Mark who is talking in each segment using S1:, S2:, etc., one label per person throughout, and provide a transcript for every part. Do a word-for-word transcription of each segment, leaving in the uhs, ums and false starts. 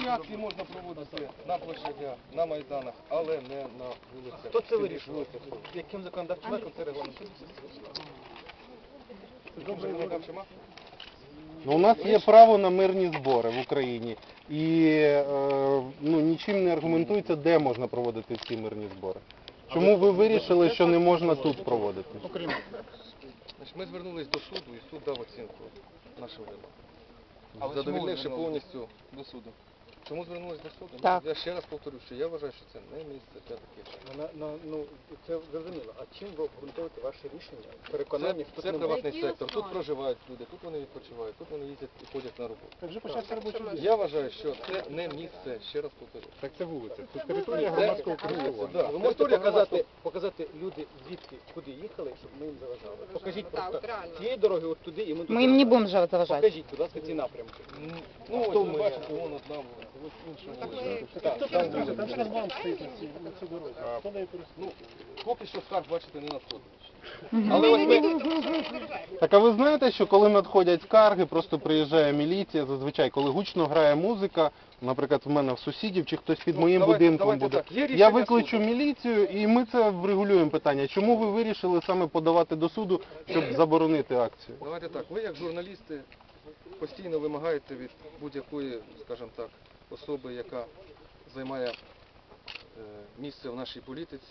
S1: акції можна проводити на площадях, на майданах, але не на вулицях.
S2: Хто це вирішує? Яким законодавчим актом це регламентується?
S3: Ну, у нас є право на мирні збори в Україні. І е, ну, нічим не аргументується, де можна проводити ці мирні збори. Чому ви вирішили, що не можна тут проводити?
S1: Ми звернулись до суду, і суд дав оцінку нашим вимогам. Задовольнивши повністю до суду. Чому звернулись до суду?
S4: Так.
S1: Я ще раз повторю, що я вважаю, що це не місце для таких.
S2: На, на, ну, це зрозуміло. А чим ви обґрунтуєте ваше рішення? Переконання,
S1: Це,
S2: що
S1: це
S2: тут
S1: приватний
S5: Які
S1: сектор. Тут
S5: основи?
S1: проживають люди, тут вони відпочивають, тут вони їздять і ходять на роботу.
S2: Так вже почався робочий день.
S1: Я вважаю, що це не місце, ще раз повторю.
S2: Так це вулиця, це територія громадського користування.
S1: Да.
S2: Ви можете показати, показати люди, звідки, куди їхали, щоб ми їм заважали? Покажіть
S5: Так,
S2: просто
S5: реально.
S2: цієї дороги от туди і ми тут
S4: Мы им не
S2: заважаємо.
S4: будем же заважать.
S2: Покажіть, будь ласка, ці напрямки.
S1: Ну,
S2: Хто
S1: ось ви
S2: ми?
S1: бачите, вон одна вулиця, ось інша вулиця.
S2: Так,
S1: Там
S2: там
S1: дуже
S2: там шлагбаум стоїть на цій на цій дорозі. Хто нею
S1: Ну, поки що скарг, бачите, не надходить.
S2: Але ось ми...
S3: Так, а ви знаєте, що коли надходять скарги, просто приїжджає міліція, зазвичай, коли гучно грає музика, наприклад, в мене в сусідів, чи хтось під
S1: Ну,
S3: моїм
S1: давайте-
S3: будинком
S1: давайте
S3: буде,
S1: так, є
S3: я
S1: рішення
S3: викличу
S1: суду.
S3: міліцію і ми це врегулюємо питання. Чому ви вирішили саме подавати до суду, щоб заборонити акцію?
S1: Давайте так, ви як журналісти постійно вимагаєте від будь-якої, скажімо так, особи, яка займає е, місце в нашій політиці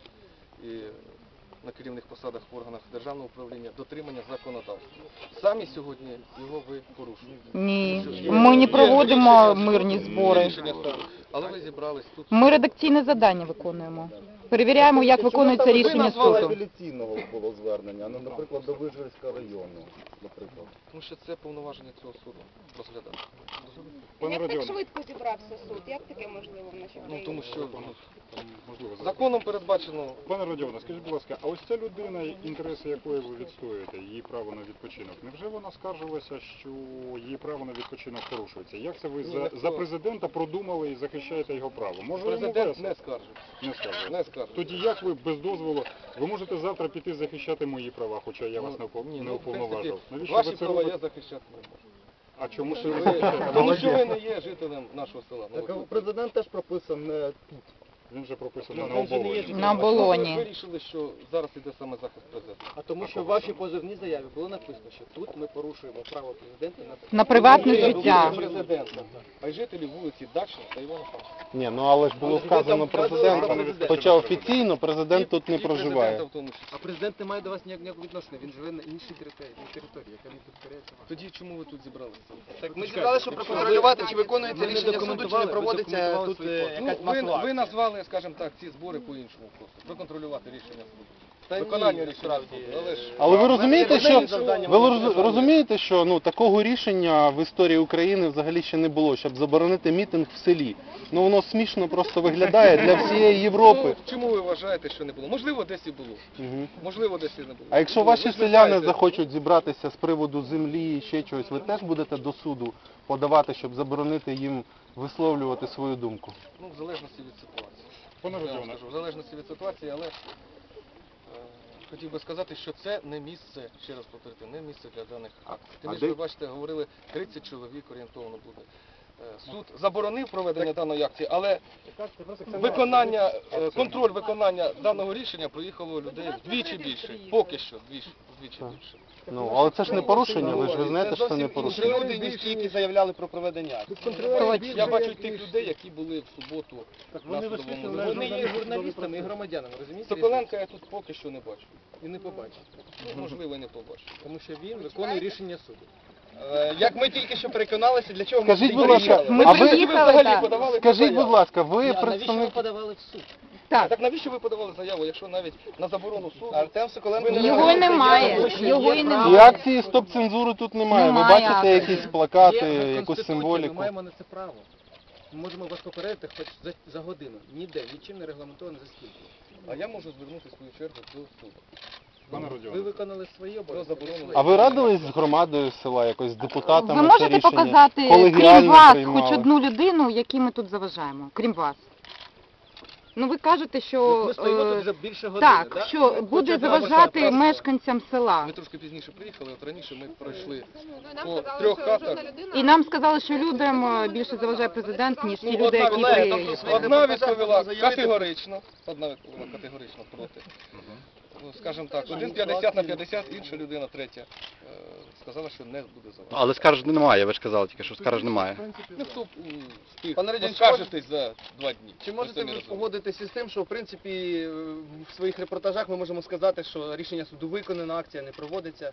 S1: і на керівних посадах в органах державного управління, дотримання законодавства. Самі сьогодні його ви порушуєте.
S4: Ні,
S1: Є-
S4: ми не
S1: є
S4: проводимо
S1: рішення
S4: мирні
S1: суду,
S4: збори.
S1: є рішення суду. Але ви зібрались тут.
S4: Ми редакційне завдання виконуємо. Перевіряємо, як виконується рішення суду.
S6: апеляційного було звернення, а не, наприклад, до Вижгородського району, наприклад.
S1: Тому що це повноваження цього суду розглядати.
S5: Як так швидко зібрався суд? Як таке можливо в нашій
S1: Ну,
S5: країні?
S1: тому що
S2: Можливо,
S1: законом передбачено.
S2: Пане Родіоне, скажіть, будь ласка, а ось ця людина, інтереси якої ви відстоюєте, її право на відпочинок, невже вона скаржилася, що її право на відпочинок порушується? Як це ви
S1: Ні,
S2: за,
S1: ніхто.
S2: за президента продумали і захищаєте його право? Може, йому
S1: Президент
S2: весело?
S1: не скаржить.
S2: Не скаржиться.
S1: Не скаржить.
S2: Тоді як ви без дозволу, ви можете завтра піти захищати мої права, хоча я вас не,
S1: Ну,
S2: упов-
S1: ні,
S2: не
S1: ну, в принципі,
S2: уповноважив? Навіщо
S1: ваші
S2: ви це
S1: права я
S2: робите?
S1: захищати не можу.
S2: А чому ж ви
S1: Ви-
S2: захищаєте?
S1: Тому що ви не є жителем нашого села.
S6: Так, а
S1: Новоселя.
S6: президент теж прописан не тут.
S2: Він же прописаний
S1: Ну,
S2: на
S1: він же не є
S2: оболоні.
S1: жителем.
S4: На
S1: А чому ви
S4: оболоні.
S1: вирішили, що зараз іде саме захист президента?
S2: А
S7: Тому що в вашій позовній заяві було написано, що тут ми порушуємо право президента на
S4: На приватне
S1: Не тільки
S4: життя.
S1: президента, а й жителів вулиці Дачна та Івана Франка.
S3: Ні, ну але ж було вказано президент, хоча офіційно президент тут не
S1: І президента
S3: проживає.
S1: в тому числі.
S7: А президент не має до вас ніякого відношення, він живе на іншій території, на території, яка не підкоряється вам.
S1: Тоді чому ви тут зібралися?
S7: Так
S8: Ми зібрали, щоб проконтролювати, чи виконується
S7: ви не
S8: рішення суду, чи не
S7: документували, ви
S8: проводиться
S7: документували
S8: тут
S7: свої
S8: е,
S7: послуги.
S1: Ну,
S8: якась
S1: ви,
S8: масова
S1: ви
S8: акція.
S1: назвали, скажімо так, ці збори по-іншому просто. Проконтролювати рішення суду.
S7: Та
S1: Виконання
S7: ні,
S1: рішення суду. Але ж...
S3: Але ви розумієте, що
S7: завдання
S3: ви
S7: вони
S3: роз-
S7: державні.
S3: розумієте, що ну такого рішення в історії України взагалі ще не було, щоб заборонити мітинг в селі. Ну воно смішно просто виглядає для всієї Європи.
S1: Ну, чому ви вважаєте, що не було? Можливо, десь і було.
S3: Мгм.
S1: Можливо, десь і не було.
S3: А якщо
S1: Ну,
S3: ваші
S1: ви ж
S3: селяни
S1: знаєте,
S3: захочуть зібратися з приводу землі і ще чогось, ви теж будете до суду подавати, щоб заборонити їм висловлювати свою думку?
S1: Ну, в залежності від ситуації.
S2: Пане
S1: Я вам
S2: Родіоне,
S1: скажу, в залежності від ситуації, але е, хотів би сказати, що це не місце, ще раз повторити, не місце для даних акцій. Тим
S3: А
S1: більше,
S3: де-
S1: ви бачите, говорили, тридцять чоловік орієнтовно буде. Е, Суд заборонив проведення даної акції, але виконання, е, контроль виконання даного рішення проїхало людей вдвічі більше. Поки що, вдвічі, вдвічі
S3: Так.
S1: більше.
S3: Ну, але це ж не порушення, ви ж ви знаєте, що це не
S8: Інші
S3: порушення.
S8: люди, ніж ті, які заявляли про проведення акції.
S1: Я бачу й тих людей, які були в суботу на
S7: Вони
S1: судовому
S7: вони
S1: засіданні.
S7: є журналістами і громадянами, розумієте?
S1: Соколенка я тут поки що не бачу.
S7: І не побачить,
S1: Ну, можливо, і не побачу.
S7: тому що він виконує рішення суду.
S8: Е, Як ми тільки що переконалися, для чого ми
S3: Скажіть,
S8: сюди
S3: будь ласка,
S8: приїхали?
S4: Ми
S3: а ви
S4: приїхали, так.
S1: подавали
S3: скажіть,
S1: заяву?
S3: будь ласка, ви
S7: А навіщо ви
S3: представник.
S7: подавали в суд?
S4: Так,
S1: Так навіщо ви подавали заяву, якщо навіть на заборону суду?
S8: Артем Соколенко
S1: Ви не
S4: його
S1: маєте
S4: немає,
S1: заяву?
S4: його і
S3: І
S4: немає.
S3: акції стоп-цензури тут немає. Ви
S4: Немає
S3: бачите
S4: акції.
S3: якісь плакати,
S7: Є
S3: якусь
S7: Конституція,
S3: символіку.
S7: Ми маємо на це право. Ми можемо вас попередити хоч за, за годину. Ніде, нічим не регламентовано за скільки.
S1: А я можу звернутися в свою чергу до суду.
S2: пане
S7: Ви
S2: Родіоне,
S7: виконали свої обов'язки.
S1: заборону.
S3: А ви радились з громадою села, якось з депутатами?
S4: Ви
S3: це
S4: можете
S3: рішення
S4: показати, крім
S3: колегіально
S4: вас,
S3: приймали?
S4: хоч одну людину, якій ми тут заважаємо, крім вас? Ну ви кажете,
S7: Ми
S4: що
S7: стоїмо тут
S4: е,
S7: вже більше години,
S4: так,
S7: да?
S4: що буде
S7: Хоча б
S4: заважати
S1: просто-
S4: мешканцям села.
S1: Ми трошки пізніше приїхали, от раніше ми пройшли
S5: Ну, і нам
S1: по
S5: сказали,
S1: трьох
S5: що
S1: хатах.
S5: жодна людина...
S4: І нам сказали, що людям е, більше заважає президент, ніж ті люди,
S1: одна
S4: які
S1: відповіла-
S4: приїхали.
S1: Одна відповіла категорично, одна відповіла категорично проти. Ну, скажімо так, один п'ятдесят на п'ятдесят, інша людина, третя, е, сказала, що не буде заважати.
S9: Але скарж немає, ви ж казали тільки, що скарж немає.
S1: Ну, хто б, м, встиг
S8: Пане Радянський,
S1: поскаржитись за два дні?
S8: Чи
S1: Ви
S8: можете
S1: самі
S8: ви
S1: розумієте.
S8: погодитися з тим, що в принципі е, в своїх репортажах ми можемо сказати, що рішення суду виконано, акція не проводиться?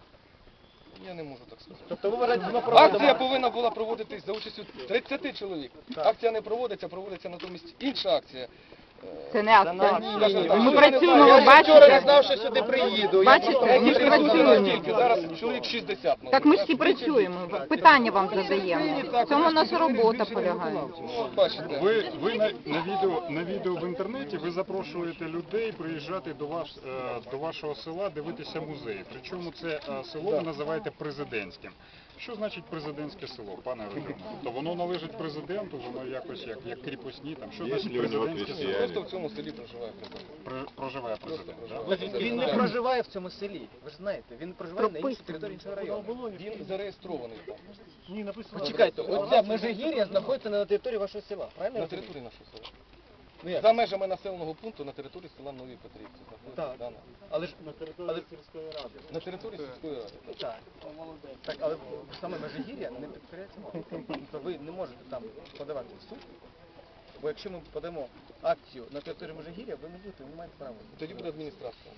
S1: Я не можу так сказати.
S8: Тобто ви вважаєте, що
S1: Акція повинна була проводитись за участю тридцяти чоловік. Акція не проводиться, проводиться натомість інша акція.
S4: Це не акція.
S1: Скажімо так,
S4: Ми
S1: що
S4: працюємо,
S1: я
S4: ви
S1: вчора
S8: Вчора не
S4: бачите.
S8: знав, що сюди приїду.
S4: Бачите,
S8: Я
S4: ми
S8: просто-
S1: Ми присутні
S4: працюємо.
S1: настільки, зараз чоловік шістдесят. ну,
S4: Так ми ж всі
S1: бачите?
S4: працюємо, питання вам задаємо. В цьому наша робота полягає.
S1: Ну, от бачите.
S2: Ви, ви на, на, відео, на відео в інтернеті ви запрошуєте людей приїжджати до, ваш, е, до вашого села, дивитися музеї. Причому це е, село ви називаєте президентським. Що значить президентське село, пане Родіоне? То воно належить президенту, воно якось як, як кріпосні, там що значить президентське село?
S1: Просто в цьому селі проживає президент.
S2: При- Проживає президент, да?
S1: Просто
S7: Він не
S1: президент.
S7: проживає в цьому селі, ви ж знаєте, він проживає на іншій території іншого району.
S1: Він зареєстрований там,
S7: Почекайте, оця Межигір'я знаходиться не на території вашого села, правильно? я
S1: на
S7: розумію?
S1: території нашого села.
S7: Ну як?
S1: За межами населеного пункту на території села Нові Петрівці знаходиться
S7: Так.
S1: дана.
S7: Але ж на території
S1: На території сільської ради. так.
S7: Так. Так, але саме Межигір'я не підкоряється мові. Тобто ви не можете там подавати в суд, бо якщо ми подамо акцію на територію Межигір'я, ви не будете, ви не маєте права.
S1: Тоді буде адміністрація.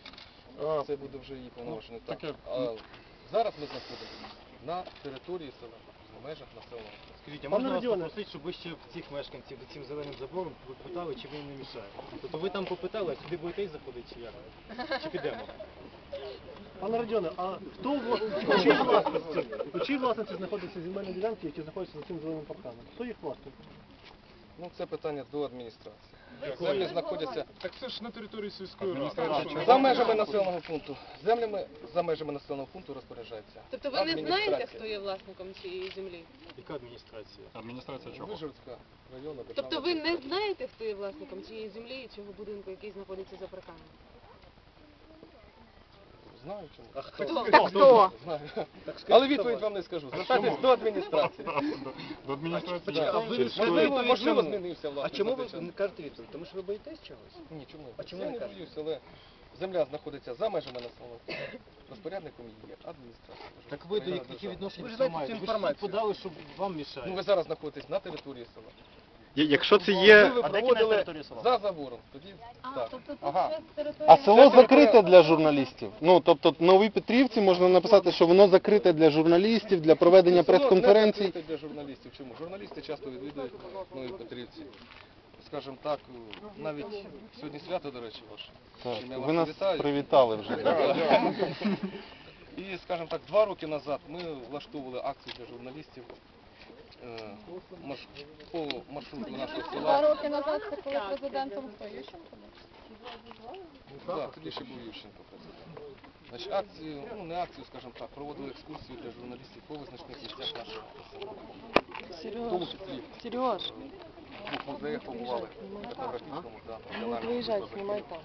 S2: А,
S1: Це буде вже її повноваження.
S2: Ну, таке-
S1: А зараз ми знаходимося на території села, в межах населеного пункту.
S10: Скажіть, а можна вас попросити, щоб ви ще цих мешканців цим зеленим забором ви питали, чи ви їм не мішаєте? Тобто ви там попитали, а сюди будете й заходити, чи як? Чи підемо?
S11: Пане Родіоне, а хто вла- у чиїй власності, у чиїй власності знаходяться земельні ділянки, які знаходяться за цим зеленим парканом? Хто їх власник?
S1: Ну, це питання до адміністрації. Землі знаходяться
S2: Так це ж на території сільської ради.
S1: адміністрація. За межами населеного пункту. Землями за межами населеного пункту розпоряджається.
S5: Тобто ви не знаєте,
S1: адміністрація.
S5: хто є власником цієї землі?
S10: Яка адміністрація?
S2: Адміністрація чого?
S1: Вижгородська районна державна.
S5: Тобто ви не знаєте, хто є власником цієї землі і цього будинку, який знаходиться за парканом?
S1: Знаю чому.
S5: А хто?
S4: Так хто?
S1: Знаю. Але відповідь вам не скажу. Звертайтесь до адміністрації.
S2: До, до адміністрації.
S1: Да.
S7: А ви
S1: Можливо, можливо,
S7: чому?
S1: змінився
S7: А
S1: власник.
S7: чому
S1: за
S7: ви
S1: цей час.
S7: не кажете відповідь? Тому що ви боїтесь чогось?
S1: Ні, чому?
S7: А чому
S1: Я
S7: не
S1: не
S7: кажете?
S1: боюсь, але земля знаходиться за межами населеного пункту. Розпорядником її є адміністрація.
S10: Так ви до
S1: Державна
S10: які відношення
S7: Ви ж
S10: до цього
S7: знаєте
S10: маєте?
S7: цю
S10: Ви ж
S7: інформацію.
S10: подали, щоб вам мішають.
S1: Ну ви зараз знаходитесь на території села.
S9: Я- Якщо це
S1: Якби
S9: є...
S1: ви проводили за забором, тоді так.
S8: Ага.
S3: А село закрите для журналістів? Ну, тобто Нові Петрівці можна написати, що воно закрите для журналістів, для проведення
S1: Село не
S3: прес-конференцій.
S1: закрите для журналістів. Чому? Журналісти часто відвідують Нові Петрівці. Скажімо так, навіть сьогодні свято, до речі, ваше.
S3: Так,
S1: Чим я
S3: ви
S1: вас
S3: нас
S1: вітаю.
S3: привітали вже.
S1: І, скажімо так, два роки назад ми влаштовували акцію для журналістів е, марш- по маршруту нашого
S5: Два
S1: села.
S5: роки назад це коли президентом хто Ющенко був?
S1: Так, тоді ще був Ющенко президент. Значить, акцію, ну не акцію, скажімо так, проводили екскурсію для журналістів по визначних місцях нашого села. В тому числі
S4: Сереж.
S1: в двох музеях побували, в етнографічному та національному.